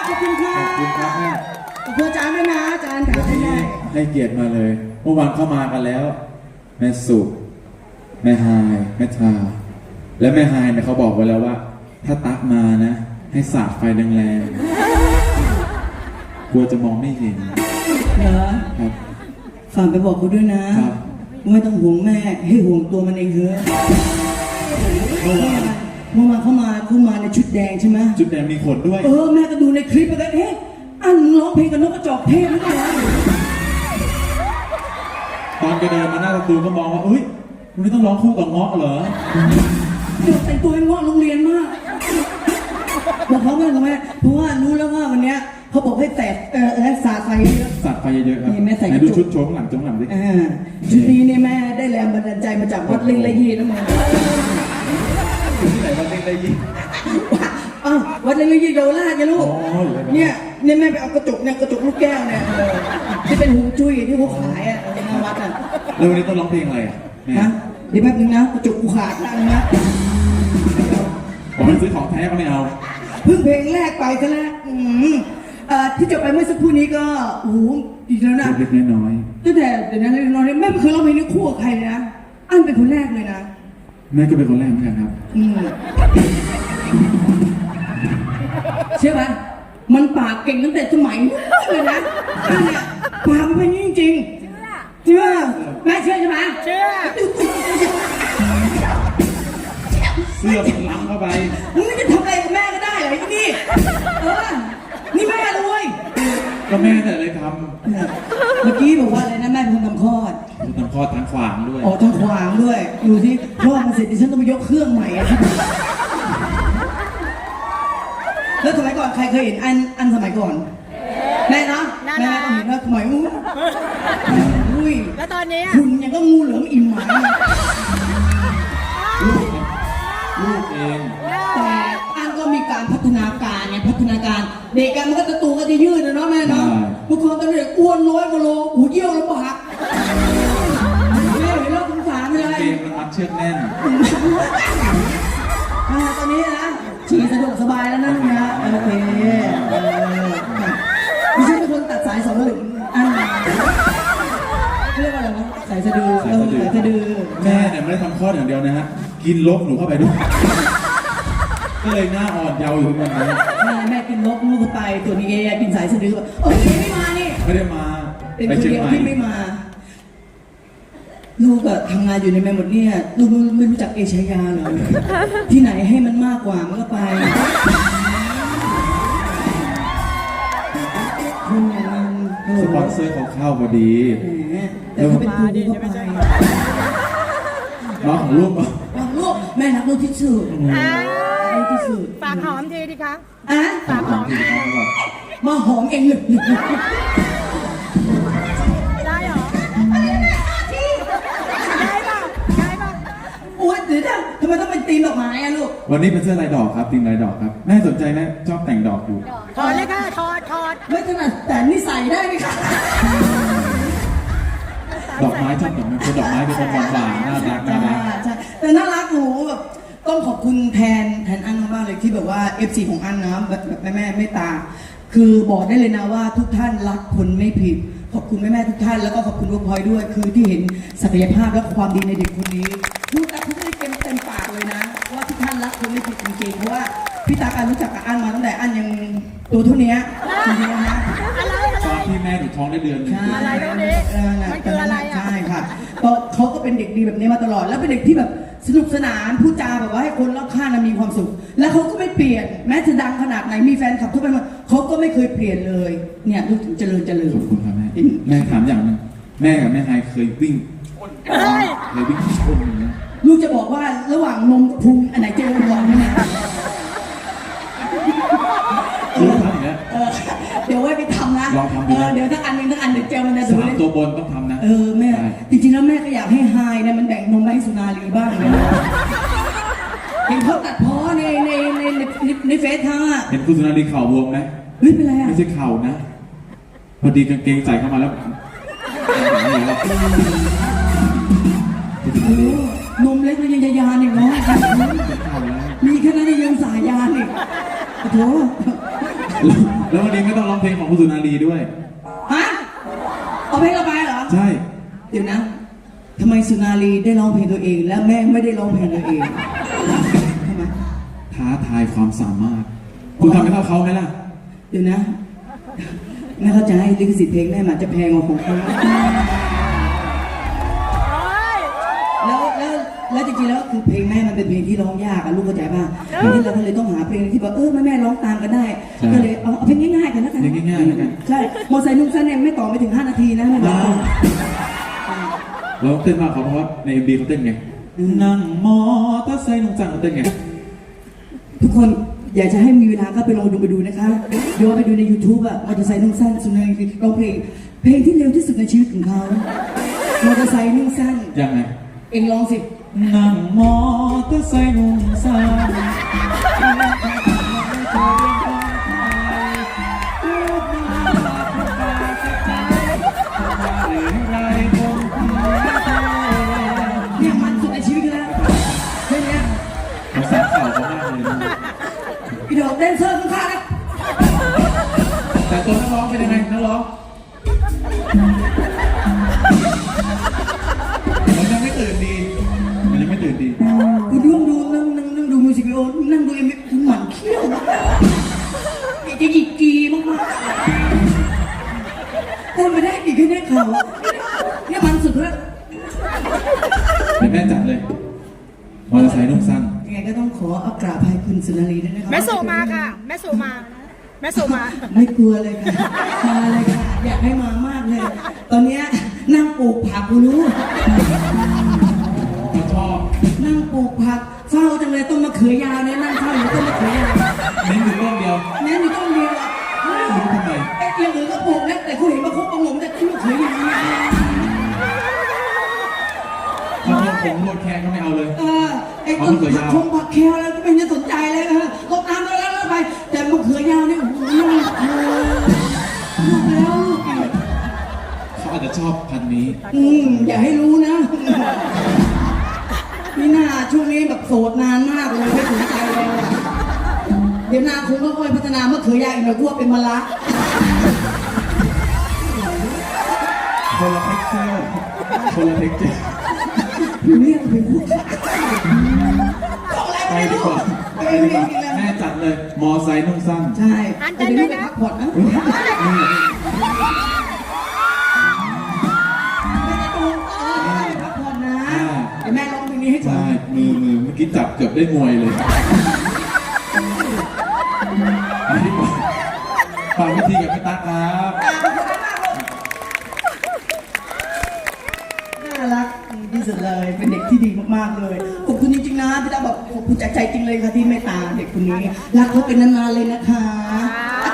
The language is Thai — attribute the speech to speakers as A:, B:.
A: ขอบคุณค่ะ
B: ขอบคุณครับแม่
A: ขอบคุณอาจารย์ด้วยนะอาจารย์ค่ะ
B: วันนี้ให้เกียรติมาเลยเมื่อวานเข้ามากันแล้ว แม่สุแม่ฮายแม่ทาและแม่ฮายเนี่ยเขาบอกไว้แล้วว่า ถ้าตักมานะ ให้สาดไฟแรงๆกลัวจะมองไม่เห็น
A: เหรอ
B: ครับ
A: ฝากไปบอกเขาด้วยนะครับ ไม่ต้องห่วงแม่ให้ห่วงตัวมันเองเถอะเมื่อวานเข้ามาในชุดแดงใช่ไหม
B: จุดแดงมีขนด้วย
A: แม่ก็ดูในคลิปไปกันอันร้องเพลงกับนกกระจอกเทศหรือเปล่า
B: ตอนแกเดินมาหน้าประตูก็มองว่าเอ้ยวันนี้ต้องร้องคู่กับเงาะเหรอ
A: แต่งตัวเป็นเงาะโรงเรียนมากบอกเขาว่าทำไมเพราะว่ารู้แล้วว่าวันเนี้ยเขาบอกให้แตกสาดไฟเยอะ
B: สัตว์ไฟเยอะๆครับ
A: นี่แม่ใส่
B: ไหนดูชุดโชว์ข้างหลังดิ
A: ชุดนี้เนี่ยแม่ได้แรงบันดาลใจมาจากวัดเล่งละยีนะมึง
B: ที่ไหนวันเล็กได้ยิน
A: วัดเล่งละยีเยาวราชไงลูก
B: อ๋ออยู่ไหนวะ
A: เนี่ยแม่ไปเอากระจกลูกแก้วเนี่ยที่เป็นหูจุ้ยที่เขาขายในวัดอ่ะ
B: แล้ววันนี้ต้องร้องเพลงอะไรอ่ะแม่
A: นะเดี๋ยวแป๊บนึงนะกระจกกูขาดแล้วนะ
B: ผมไม่ซื้อของแท้ก็ไม่เอา
A: เพิ่งเพลงแรกไปซะแล้วที่จบไปเมื่อสักครู่นี้ก็โอ้โหดีแล้วนะ
B: เล็กๆน้อย
A: ตั้งแต่เดี๋ยวนั้นเลยนอนแม่ไม่เคยร้องเพลงนี้คู่กับใครเลยนะอันเป็นคนแรกเลยนะ
B: ๆแม่ก็เป็นคนแรกเหมือนกันครับ
A: เชื่อไหมมันปากเก่งตั้งแต่สมัยนู้นเลยนะอันเนี่ยปากมันเป็นจริงๆเชื่อแม่เชื่อใช่ไหมเชื่อ
B: เสื้อมันล้ำเข้าไป
A: มึงไม่จะทำอะไรกับแม่ก็ได้เหรอไอ้นี่นี่แม่เลย
B: ก็แม่แต่เลยท
A: เมื่อกี้บอกว่าอะไรนะแม่เป็นคนทำคลอด
B: ำทำคลอดทางขวางด้วย
A: ทางขวางด้วยดูที่คลอดมาเสร็จดิฉันต้องไปยกเครื่องใหม่อะแล้วสมัยก่อนใครเคยเห็นอันสมัยก่อนแม่นะแม่ก็เห็นว่าสมัยอุ้ย
C: แล้วตอนนี้
A: คุณยังก็งูเหลือมอิ่มหมา
B: ลูกเอง
A: แต่อันก็มีการพัฒนาการเนี่ยพัฒนาการเด็กกันมันก็จะตัวก็จะยืดนะเนาะแม่เนาะบางคนตอนเด็กอ้วน100 กว่าโลหูเยี่ยวลำบากแม่เห็นแล้วสงสารเลย
B: เกมมันมัดเชือกแน่น
A: ตอนนี้นะฉี่สะดวกสบายแล้วนะโอเคดิฉันเป็นคนตัดสายสองหลึงเรียกว่าอะไรนะสายสะดือสายสะดือ
B: แม่เนี่ยไม่ได้ทำคลอดอย่างเดียวนะฮะ กินลกหนูเข้าไปด้วย ก็เลยหน้าอ่อนเยาว์อยู่ทุกวันนี้
A: แม่กินนกลูกไปตัวนี้กินสายสะดือโอ้ยไม่มานี่
B: ไม่ได้มา
A: เป็น
B: ไป
A: คน
B: เชียง
A: เดียว
B: ใหม่
A: ที่ไม่มา ลูกอะทำงานอยู่ในแม่หมดเนี่ยลูกไม่รู้จักเอชายาเหรอที่ไหนให้มันมากกว่ามันก็ไปคุณอย่างนั้น
B: สปอนเซอร์เขาเข้าพอดี
A: แต่เขาเป็นครูก็ไป
B: น้องของลูก
A: ลูกแม่รักลูกที่สุดลูกที่สุด
C: ฝากหอมทีดิคะ
A: ฝากหอมมาหอมเองเลย
C: ได้เหรอ ได้ป่ะได้ป่ะ
A: โอ๊ยเดี๋ยวทำไมต้องเป็นตีมดอกไม้อะลูก
B: วันนี้เป็นเสื้อลายดอกครับธีมลายดอกครับ แม่สนใจไหมชอบแต่งดอกอยู่
C: ถอดเลยค่ะถอด
A: ไม่ถนัดแต่นี่ใส่ได้ไหมคะ
B: ดอกไม้ชอบดอกไม้เป็นดอกไม้เป็นคนหวานๆน่ารักน่ารัก
A: ใช่แต่น่ารักหนูแบบต้องขอบคุณแทนอันมากๆเลยที่แบบว่า FC ของอันนะแบบแม่เมตตาคือบอกได้เลยนะว่าทุกท่านรักคนไม่ผิดขอบคุณแม่ทุกท่านแล้วก็ขอบคุณลูกพลอยด้วย คือที่เห็นศักยภาพและความดีในเด็กคนนี้พูดแต่พูดได้เต็มปากเลยนะว่าทุกท่านรักคนไม่ผิดจริงๆเพราะว่าพี่ตาการรู้จักกับอันมาตั้งแต่อันยังตัวเท่านี้จริงๆนะ
B: ตอนที่แม่หนูท้องได้เดือนหนึง
A: ใช่
C: อะไรตรงนี้มันคืออะไรอ่ะ
A: ใช่ค่ะเขาก็เป็นเด็กดีแบบนี้มาตลอด แล้วเป็นเด็กที่แบบสนุกสนานพูดจาแบบว่าให้คนรอบข้างมีความสุข แล้วเขาก็ไม่เปลี่ยนแม้จะดังขนาดไหนมีแฟนคลับทุกคนเขาก็ไม่เคยเปลี่ยนเลยเนี่ยลูกถึงเจริญ
B: ขอบคุณครับแม่แม่ถามอย่างหนึงแม่กับแม่ไฮเคยวิ่งเคยวิ่งชนอย่างนี้
A: ลูกจะบอกว่าระหว่างนมกับพุงอันไหนเจริญกว่าไหมเนี่ย
B: รู้ทำอย่างนี้ย
A: เดี๋ยวไว้ไปทำนะ
B: ลองทำดูนะ
A: เดี๋ยวทั้งอันหนึงทั้งอันเดี๋ยวเจลมันจะดู
B: 3 ตัวบนต้องทำนะ
A: แม่
B: ใช่
A: จริงๆแล้วแม่ก็อยากให้ไฮเนี่ยมันแบ่งนมให้สุนารีบ้างนะเห็นเขาตัดพ้อในเฟซทั้งอ่ะ
B: เห็นคุณสุนารีเข่าบวมไหม
A: เฮ้ยเป็นไรอ่ะ
B: ไม่ใช่เข่านะ พอดีกางเกงใส่เข้ามาแล้ว
A: นมเล็กมันยังจะยานอีกเนาะมีแค่นั้นยังสายยานอีกโอ้โห
B: แล้ววันนี้ไม่ต้องร้องเพลงของคุณสุนารีด้วย
A: ฮะเอาเพลงเราไปเหรอ
B: ใช่
A: เดี๋ยวนะทำไมสุนารีได้ร้องเพลงตัวเอง และแม่ไม่ได้ร้องเพลงตัวเองทำไม
B: ท้าทายความสามารถ คุณทำให้เท่าเขาไหมล่ะ
A: เดี๋ยวนะแม่เข้าใจลิขสิทธิ์เพลงแม่มันจะแพงกว่าของเขา
C: โอ้ย
A: แล้วจริงๆแล้วคือเพลงแม่มันเป็นเพลงที่ร้องยากอะลูกเข้าใจป่ะทีนี้เราก็เลยต้องหาเพลงที่แบบแม่ร้องตามกันได้
B: ใช่
A: ก็เลยเอาเพลงง่ายๆกันแล้วกัน
B: เพลงง่ายๆแล้วกัน
A: ใช่มอไซค์นุ่งสั้นเนี่ยไม่ต่อไม่ถึง5 นาทีนะไม่บอก
B: แล้วเต้นมากเขาเพราะว่าใน MV เขาเต้นไง นั่งมอเตอร์ไซค์ลงจังเขาเต้นไง
A: ทุกคนอยากจะให้มีเวลาก็ไปลองดูนะคะเดี๋ยวไปดูใน YouTube อะมอเตอร์ไซค์นุ่งสั้นสุนันท์ร้องเพลงที่เร็วที่สุดในชีวิตของเขามอเตอร์ไซค์นุ่งสั้น
B: ยังไง
A: เอ็งร้องสิ
B: นั่งมอเตอร์ไซค์นุ่งสั้น
A: เนี่ยมันสุดในชีวิตแล้วเพลงเนี้ย
B: ผมสารเข่าเขามากเลยนะ
A: อีดอกแดนเซอร์ข้างๆนะ
B: แต่ตัวนักร้องเป็นยังไงนักร้องมันยังไม่ตื่นดี มันยังไม่ตื่นดี
A: กูนั่งดูมิวสิกวิดีโอนั่งดูเอ็มวีหมันเขี้ยวจะหยิกกีมากๆแต่ไม่ได้อีกแค่นี้เขาเนี่ยมันสุดแล้ว
B: เป็นแม่จัดเลย มอเตอร์ไซค์นุ่งสั้น
A: ยังไงก็ต้องขอเอากราบให้คุณสุนารีด้วยนะครับ
C: แม่สู่มาค่ะ แม่สู่มา แม่สู่มา
A: ไม่กลัวเลยค่ะมาเลยค่ะอยากให้มามากเลย ตอนเนี้ยนั่งปลูกผักกูรู้
B: เขาชอบ
A: นั่งปลูกผักเฝ้าจังเลยต้นมะเขือยาวเนี่ยนั่งเฝ้าอยู่ต้นมะเขือยาว
B: เน้นอยู่ต้นเดียว
A: แม้มีต้นเดียวอะ
B: ไม่รู้ทำไม
A: ไอ้อย่างอื่นก็ปลูกนะแต่กูเห็นมาคบประงมแต่ต้นมะเขือยาวเนี่ย
B: ถ้าเพิ่มผงโรดแคนก็ไม่เอาเลย
A: ไอ้ต้นผักชงผักแคลแล้วก็ไม่ได้สนใจเลยรดน้ำแล้วไปแต่มะเขือยาวเนี่ยโอ้โหลูกแล้วลูกอีก
B: เขาอาจจะชอบพันธุ์นี้
A: อย่าให้รู้นะนี่น่าช่วงนี้แบบโสดนานมากเลยไม่สนใจเลยอะเดี๋ยวนาคงค่อยๆพัฒนามะเขือยาวอีกหน่อยกลัวเป็นมะละ
B: คนละเท็กเจอร์คนละเท็กเจอร์
A: เรื่องเป็นผู้ชายของอะไร
B: ไป
A: ไม่
B: ดี
A: รู้
B: กว่าไปดีกว่าแม่จัดเลย มอไซค์นุ่งสั้น
A: ใช่แต่เดี๋ยวนี้ไปพักผ่อนนะไม่ได้ตรงพักผ่อนนะเดี๋ยวแม่ร้องเพลงนี้ให้ก่อน
B: ใช่ มือเมื่อกี้จับเกือบได้มวยเลยไปดีกว่าฝากวิธีกับพี่ตั๊กครับ
A: น่ารักที่สุดเลย เป็นเด็กที่ดีมากๆเลย ขอบคุณจริงๆนะพี่ตาบอกขอบคุณจากใจจริงเลยค่ะที่เมตตาเด็กคนนี้ รักเขาเป็นนานๆเลยนะคะ